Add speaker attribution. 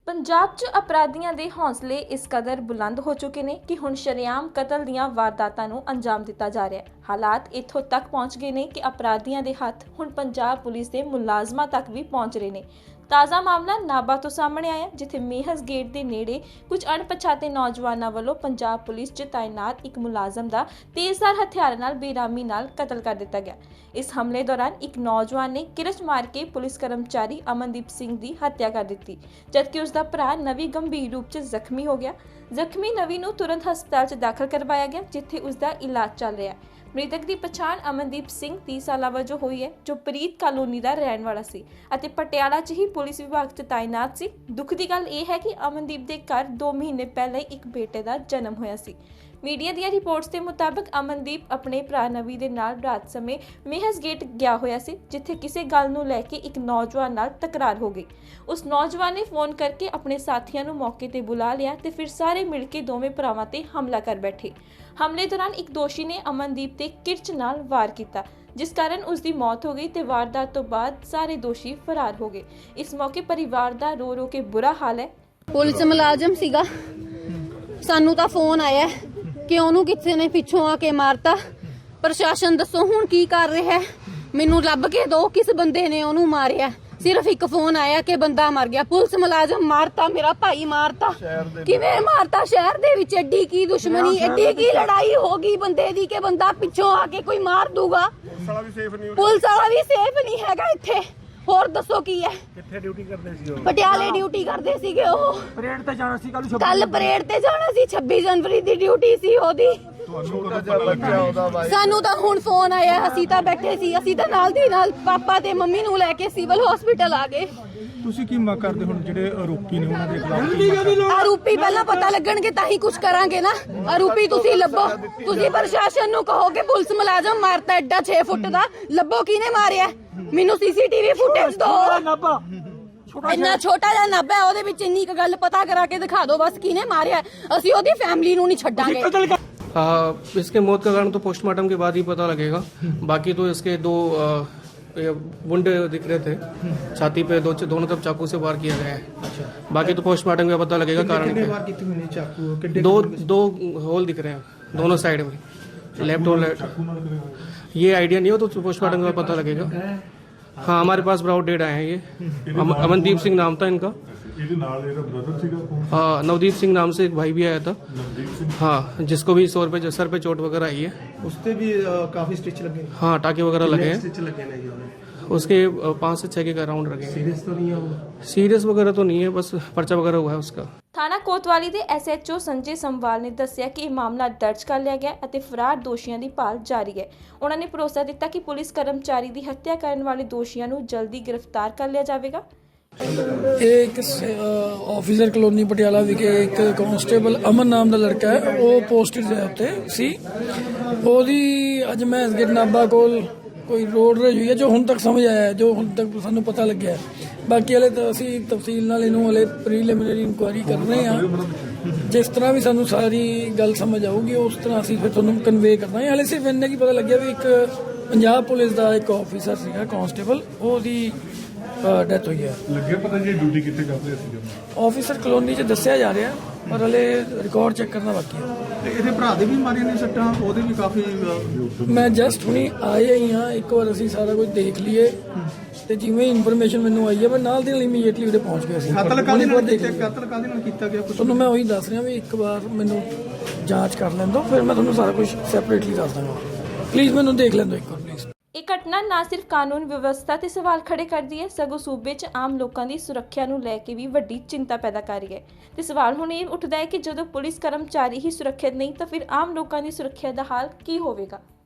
Speaker 1: ਪੰਜਾਬ 'ਚ ਅਪਰਾਧੀਆਂ ਦੇ ਹੌਸਲੇ ਇਸ ਕਦਰ ਬੁਲੰਦ ਹੋ ਚੁੱਕੇ ਨੇ ਕਿ ਹੁਣ ਸ਼ਰੇਆਮ ਕਤਲ ਦੀਆਂ ਵਾਰਦਾਤਾਂ ਨੂੰ ਅੰਜਾਮ ਦਿੱਤਾ ਜਾ ਰਿਹਾ ਹੈ। ਹਾਲਾਤ ਇੱਥੋਂ ਤੱਕ ਪਹੁੰਚ ਗਏ ਨੇ ਕਿ ਅਪਰਾਧੀਆਂ ਦੇ ਹੱਥ ਹੁਣ ਪੰਜਾਬ ਪੁਲਿਸ ਦੇ ਮੁਲਾਜ਼ਮਾਂ ਤੱਕ ਵੀ ਪਹੁੰਚ ਰਹੇ ਨੇ। ਤਾਜ਼ਾ ਮਾਮਲਾ ਨਾਭਾ ਤੋਂ ਸਾਹਮਣੇ ਆਇਆ, ਜਿੱਥੇ ਮੇਹਸ ਗੇਟ ਦੇ ਨੇੜੇ ਕੁਝ ਅਣਪਛਾਤੇ ਨੌਜਵਾਨਾਂ ਵੱਲੋਂ ਪੰਜਾਬ ਪੁਲਿਸ 'ਚ ਤਾਇਨਾਤ ਇੱਕ ਮੁਲਾਜ਼ਮ ਦਾ ਤੇਜ਼ਧਾਰ ਹਥਿਆਰਾਂ ਨਾਲ ਬੇਰਹਿਮੀ ਨਾਲ ਕਤਲ ਕਰ ਦਿੱਤਾ ਗਿਆ। ਇਸ ਹਮਲੇ ਦੌਰਾਨ ਇੱਕ ਨੌਜਵਾਨ ਨੇ ਕਿਰਚ ਮਾਰ ਕੇ ਪੁਲਿਸ ਕਰਮਚਾਰੀ ਅਮਨਦੀਪ ਸਿੰਘ ਦੀ ਹੱਤਿਆ ਕਰ ਦਿੱਤੀ, ਜਦਕਿ ਉਸ ਦਾ ਭਰਾ ਨਵੀ ਗੰਭੀਰ ਰੂਪ 'ਚ ਜ਼ਖਮੀ ਹੋ ਗਿਆ। ਜ਼ਖਮੀ ਨਵੀ ਨੂੰ ਤੁਰੰਤ ਹਸਪਤਾਲ 'ਚ ਦਾਖਲ ਕਰਵਾਇਆ ਗਿਆ, ਜਿੱਥੇ ਉਸ ਦਾ ਇਲਾਜ ਚੱਲ ਰਿਹਾ ਹੈ। ਮ੍ਰਿਤਕ ਦੀ ਪਛਾਣ ਅਮਨਦੀਪ ਸਿੰਘ 30 ਸਾਲਾਂ ਵਜੋਂ ਹੋਈ ਹੈ, ਜੋ ਪ੍ਰੀਤ ਕਾਲੋਨੀ ਦਾ ਰਹਿਣ ਵਾਲਾ ਸੀ ਅਤੇ ਪਟਿਆਲਾ 'ਚ ਹੀ ਪੁਲਿਸ ਵਿਭਾਗ 'ਚ ਤਾਇਨਾਤ ਸੀ। ਦੁੱਖ ਦੀ ਗੱਲ ਇਹ ਹੈ ਕਿ ਅਮਨਦੀਪ ਦੇ ਘਰ 2 ਮਹੀਨੇ ਪਹਿਲਾਂ ਹੀ ਇੱਕ ਬੇਟੇ ਦਾ ਜਨਮ ਹੋਇਆ ਸੀ। ਮੀਡੀਆ ਦੀਆਂ ਰਿਪੋਰਟਸ ਦੇ ਮੁਤਾਬਕ ਅਮਨਦੀਪ ਆਪਣੇ ਭਰਾ ਨਵੀ ਦੇ ਨਾਲ ਰਾਤ ਸਮੇਂ ਮੇਹਸ ਗੇਟ ਗਿਆ ਹੋਇਆ ਸੀ, ਜਿੱਥੇ ਕਿਸੇ ਗੱਲ ਨੂੰ ਲੈ ਕੇ ਇੱਕ ਨੌਜਵਾਨ ਨਾਲ ਤਕਰਾਰ ਹੋ ਗਈ। ਉਸ ਨੌਜਵਾਨ ਨੇ ਫੋਨ ਕਰਕੇ ਆਪਣੇ ਸਾਥੀਆਂ ਨੂੰ ਮੌਕੇ ਤੇ ਬੁਲਾ ਲਿਆ ਤੇ ਫਿਰ ਸਾਰੇ ਮਿਲ ਕੇ ਦੋਵੇਂ ਭਰਾਵਾਂ ਤੇ ਹਮਲਾ ਕਰ ਬੈਠੇ। ਹਮਲੇ ਦੌਰਾਨ ਇੱਕ ਦੋਸ਼ੀ ਨੇ ਅਮਨਦੀਪ ਤੇ ਕਿਰਚ ਨਾਲ ਵਾਰ ਕੀਤਾ, ਜਿਸ ਕਾਰਨ ਉਸ ਦੀ ਮੌਤ ਹੋ ਗਈ ਤੇ ਵਾਰਦਾਤ ਤੋਂ ਬਾਅਦ ਸਾਰੇ ਦੋਸ਼ੀ ਫਰਾਰ ਹੋ ਗਏ। ਇਸ ਮੌਕੇ ਪਰਿਵਾਰ ਦਾ ਰੋ ਰੋ ਕੇ ਬੁਰਾ ਹਾਲ ਹੈ।
Speaker 2: ਪੁਲਿਸ ਮੁਲਾਜ਼ਮ ਸੀਗਾ, ਸਾਨੂੰ ਤਾਂ ਫੋਨ ਆਇਆ ਕਿ ਉਹਨੂੰ ਕਿਸੇ ਨੇ ਪਿੱਛੋਂ ਆ ਕੇ ਮਾਰਤਾ। ਪ੍ਰਸ਼ਾਸਨ ਦੱਸੋ ਹੁਣ ਕੀ ਕਰ ਰਿਹਾ ਹੈ? ਮੈਨੂੰ ਲੱਭ ਕੇ ਦਿਓ ਕਿਸ ਬੰਦੇ ਨੇ ਉਹਨੂੰ ਮਾਰਿਆ। ਸਿਰਫ ਇੱਕ ਫੋਨ ਆਇਆ ਕਿ ਬੰਦਾ ਮਰ ਗਿਆ। ਪੁਲਿਸ ਮੁਲਾਜ਼ਮ ਮਾਰਤਾ, ਮੇਰਾ ਭਾਈ ਮਾਰਤਾ। ਕਿਵੇਂ ਮਾਰਤਾ? ਸ਼ਹਿਰ ਦੇ ਵਿੱਚ ਐਡੀ ਕੀ ਦੁਸ਼ਮਣੀ, ਐਡੀ ਕੀ ਲੜਾਈ ਹੋ ਗਈ ਬੰਦੇ ਦੀ ਕਿ ਬੰਦਾ ਪਿੱਛੋਂ ਆ ਕੇ ਕੋਈ ਮਾਰ ਦੂਗਾ। ਪੁਲਿਸ ਵਾਲਾ ਵੀ ਸੇਫ ਨਹੀਂ ਹੈਗਾ ਇੱਥੇ। ਹੋਰ ਦੱਸੋ ਕੀ ਹੈ?
Speaker 3: ਕਿੱਥੇ ਡਿਊਟੀ ਕਰਦੇ ਸੀ ਉਹ?
Speaker 2: ਪਟਿਆਲੇ ਡਿਊਟੀ ਕਰਦੇ ਸੀਗੇ ਉਹ।
Speaker 3: ਪਰੇਡ ਤੇ ਜਾਣਾ ਸੀ
Speaker 2: ਕੱਲ ਪਰੇਡ ਤੇ ਜਾਣਾ ਸੀ, 26 ਜਨਵਰੀ ਦੀ ਡਿਊਟੀ ਸੀ ਉਹਦੀ। ਸਾਨੂੰ ਤਾਂ ਹੁਣ ਫੋਨ ਆਇਆ, ਅਸੀਂ ਤਾਂ ਬੈਠੇ ਸੀ, ਅਸੀਂ ਤਾਂ ਨਾਲ ਦੀ ਨਾਲ ਪਾਪਾ ਤੇ ਮੰਮੀ ਨੂੰ ਲੈ ਕੇ ਸਿਵਲ ਹਸਪੀਟਲ ਆ ਗਏ।
Speaker 3: ਤੁਸੀਂ ਕੀ ਮੰਗ ਕਰਦੇ ਹੁਣ ਜਿਹੜੇ ਆਰੋਪੀ ਨੇ ਉਹਨਾਂ ਦੇ ਖਿਲਾਫ?
Speaker 2: ਆਰੋਪੀ ਪਹਿਲਾਂ ਪਤਾ ਲੱਗਣਗੇ ਤਾਂ ਹੀ ਕੁਝ ਕਰਾਂਗੇ ਨਾ। ਆਰੋਪੀ ਤੁਸੀਂ ਲੱਭੋ, ਤੁਸੀਂ ਪ੍ਰਸ਼ਾਸਨ ਨੂੰ ਕਹੋ ਕਿ ਪੁਲਿਸ ਮੁਲਾਜ਼ਮ ਮਾਰਤਾ ਐਡਾ 6 ਫੁੱਟ ਦਾ, ਲੱਭੋ ਕਿਹਨੇ ਮਾਰਿਆ। ਮੈਨੂੰ ਸੀਸੀਟੀਵੀ ਫੁਟੇਜ ਦਿਓ। ਇੰਨਾ ਛੋਟਾ ਜਿਹਾ ਨਾਭਾ ਹੈ, ਉਹਦੇ ਵਿੱਚ ਇੰਨੀ ਗੱਲ ਪਤਾ ਕਰਾ ਕੇ ਦਿਖਾ ਦਿਓ ਬਸ ਕਿਹਨੇ ਮਾਰਿਆ। ਅਸੀਂ ਉਹਦੀ ਫੈਮਿਲੀ ਨੂੰ ਨਹੀਂ ਛੱਡਾਂਗੇ।
Speaker 4: इसके मौत का कारण तो पोस्टमार्टम के बाद ही पता लगेगा। बाकी तो इसके 2 वुंड दिख रहे थे छाती पे, दोनों तरफ चाकू से वार किया गया है। बाकी तो पोस्टमार्टम में पता लगेगा कारण। दो होल दिख रहे हैं दोनों साइड में, लेफ्ट और राइट। ये आइडिया नहीं हो तो पोस्टमार्टम में पता लगेगा। हाँ, हमारे पास ब्राउड डेड आए हैं। ये अमनदीप सिंह नाम था इनका। हाँ, नवदीप सिंह नाम से एक भाई भी आया था। हाँ, जिसको भी सर पे चोट वगैरह आई है।
Speaker 3: उससे भी काफी स्टिच लगे।
Speaker 4: हाँ, टाके वगैरह लगे हैं।
Speaker 3: स्टिच लगे नहीं
Speaker 4: उसके 5 से 6 के राउंड लगे।
Speaker 3: सीरियस तो नहीं है वो?
Speaker 4: सीरियस वगैरह तो नहीं है, बस पर्चा वगैरह हुआ है उसका।
Speaker 1: ਥਾਣਾ ਕੋਤਵਾਲੀ ਦੇ SHO ਸੰਜੇ ਸੰਵਾਲ ਨੇ ਦੱਸਿਆ ਕਿ ਇਹ ਮਾਮਲਾ ਦਰਜ ਕਰ ਲਿਆ ਗਿਆ ਅਤੇ ਫਰਾਰ ਦੋਸ਼ੀਆਂ ਦੀ ਭਾਲ ਜਾਰੀ ਹੈ। ਉਹਨਾਂ ਨੇ ਭਰੋਸਾ ਦਿੱਤਾ ਕਿ ਪੁਲਿਸ ਕਰਮਚਾਰੀ ਦੀ ਹੱਤਿਆ ਕਰਨ ਵਾਲੇ ਦੋਸ਼ੀਆਂ ਨੂੰ ਜਲਦੀ ਗ੍ਰਿਫਤਾਰ ਕਰ ਲਿਆ ਜਾਵੇਗਾ।
Speaker 5: ਇਹ ਇੱਕ ਆਫਿਸਰ ਕਲੋਨੀ ਪਟਿਆਲਾ ਵਿਖੇ ਇੱਕ ਕਾਂਸਟੇਬਲ ਅਮਨ ਨਾਮ ਦਾ ਲੜਕਾ ਹੈ, ਉਹ ਪੋਸਟਡ ਹੈ ਉੱਤੇ ਸੀ। ਉਹਦੀ ਅੱਜ ਮੈਂ ਗੇਟ ਨਾਭਾ ਕੋਲ ਕੋਈ ਰੋਡ ਰੇਜ ਹੋਈ ਹੈ, ਜੋ ਹੁਣ ਤੱਕ ਸਮਝ ਆਇਆ, ਜੋ ਹੁਣ ਤੱਕ ਸਾਨੂੰ ਪਤਾ ਲੱਗਿਆ। ਬਾਕੀ ਹਲੇ ਤਾਂ ਅਸੀਂ ਤਫਸੀਲ ਨਾਲ ਇਹਨੂੰ ਹਲੇ ਪ੍ਰੀਲਿਮਿਨਰੀ ਇਨਕੁਆਇਰੀ ਕਰ ਰਹੇ ਹਾਂ। ਜਿਸ ਤਰ੍ਹਾਂ ਵੀ ਸਾਨੂੰ ਸਾਰੀ ਗੱਲ ਸਮਝ ਆਊਗੀ ਉਸ ਤਰ੍ਹਾਂ ਅਸੀਂ ਫਿਰ ਤੁਹਾਨੂੰ ਕਨਵੇ ਕਰਨਾ ਹੈ। ਹਲੇ ਸਿਰਫ ਇੰਨਾ ਕੀ ਪਤਾ ਲੱਗਿਆ ਵੀ ਇੱਕ ਪੰਜਾਬ ਪੁਲਿਸ ਦਾ ਇੱਕ ਆਫਿਸਰ ਸੀਗਾ ਕਾਂਸਟੇਬਲ, ਉਹਦੀ ਡੈਥ ਹੋਈ ਹੈ।
Speaker 3: ਲੱਗਿਆ ਪਤਾ ਜੀ ਡਿਊਟੀ ਕਿੱਥੇ ਕਰਦੇ ਸੀ?
Speaker 5: ਆਫਿਸਰ ਕਲੋਨੀ 'ਚ ਦੱਸਿਆ ਜਾ ਰਿਹਾ, ਪਰ ਹਲੇ ਰਿਕਾਰਡ ਚੈੱਕ ਕਰਨਾ ਬਾਕੀ ਹੈ।
Speaker 3: ਇਹਦੇ ਭਰਾ ਦੇ ਵੀ ਮਾਰੀਆਂ ਨੇ ਸੱਟਾਂ, ਉਹਦੇ ਵੀ ਕਾਫੀ।
Speaker 5: ਮੈਂ ਜਸਟ ਹੁਣੀ ਆਏ ਹੀ ਹਾਂ, ਇੱਕ ਵਾਰ ਅਸੀਂ ਸਾਰਾ ਕੁਝ ਦੇਖ ਲਈਏ ਤੇ ਜਿਵੇਂ ਇਨਫੋਰਮੇਸ਼ਨ ਮੈਨੂੰ ਆਈ ਹੈ ਮੈਂ ਨਾਲ ਦੀ ਨਾਲ ਇਮੀਡੀਏਟਲੀ ਉਹਦੇ ਪਹੁੰਚ ਗਿਆ ਸੀ।
Speaker 3: ਕਤਲ ਕਾਹਦੇ ਨਾਲ ਕੀਤਾ ਗਿਆ?
Speaker 5: ਤੁਹਾਨੂੰ ਮੈਂ ਉਹੀ ਦੱਸ ਰਿਹਾ ਵੀ ਇੱਕ ਵਾਰ ਮੈਨੂੰ ਜਾਂਚ ਕਰ ਲੈਣ ਦਿਓ, ਫਿਰ ਮੈਂ ਤੁਹਾਨੂੰ ਸਾਰਾ ਕੁਝ ਸੈਪਰੇਟਲੀ ਦੱਸ ਦਾਂਗਾ। ਪਲੀਜ਼ ਮੈਨੂੰ ਦੇਖ ਲੈਣ ਦਿਓ ਇੱਕ ਵਾਰ ਪਲੀਜ਼।
Speaker 1: ਇਹ ਘਟਨਾ ਨਾ ਸਿਰਫ ਕਾਨੂੰਨ ਵਿਵਸਥਾ ਤੇ ਸਵਾਲ ਖੜੇ ਕਰਦੀ ਹੈ, ਸਗੋਂ ਸੂਬੇ 'ਚ ਆਮ ਲੋਕਾਂ ਦੀ ਸੁਰੱਖਿਆ ਨੂੰ ਲੈ ਕੇ ਵੀ ਵੱਡੀ ਚਿੰਤਾ ਪੈਦਾ ਕਰ ਰਹੀ ਹੈ। ਤੇ ਸਵਾਲ ਹੁਣ ਇਹ ਉੱਠਦਾ ਹੈ ਕਿ ਜਦੋਂ ਪੁਲਿਸ ਕਰਮਚਾਰੀ ਹੀ ਸੁਰੱਖਿਅਤ ਨਹੀਂ ਤਾਂ ਫਿਰ ਆਮ ਲੋਕਾਂ ਦੀ ਸੁਰੱਖਿਆ ਦਾ ਹਾਲ ਕੀ ਹੋਵੇਗਾ।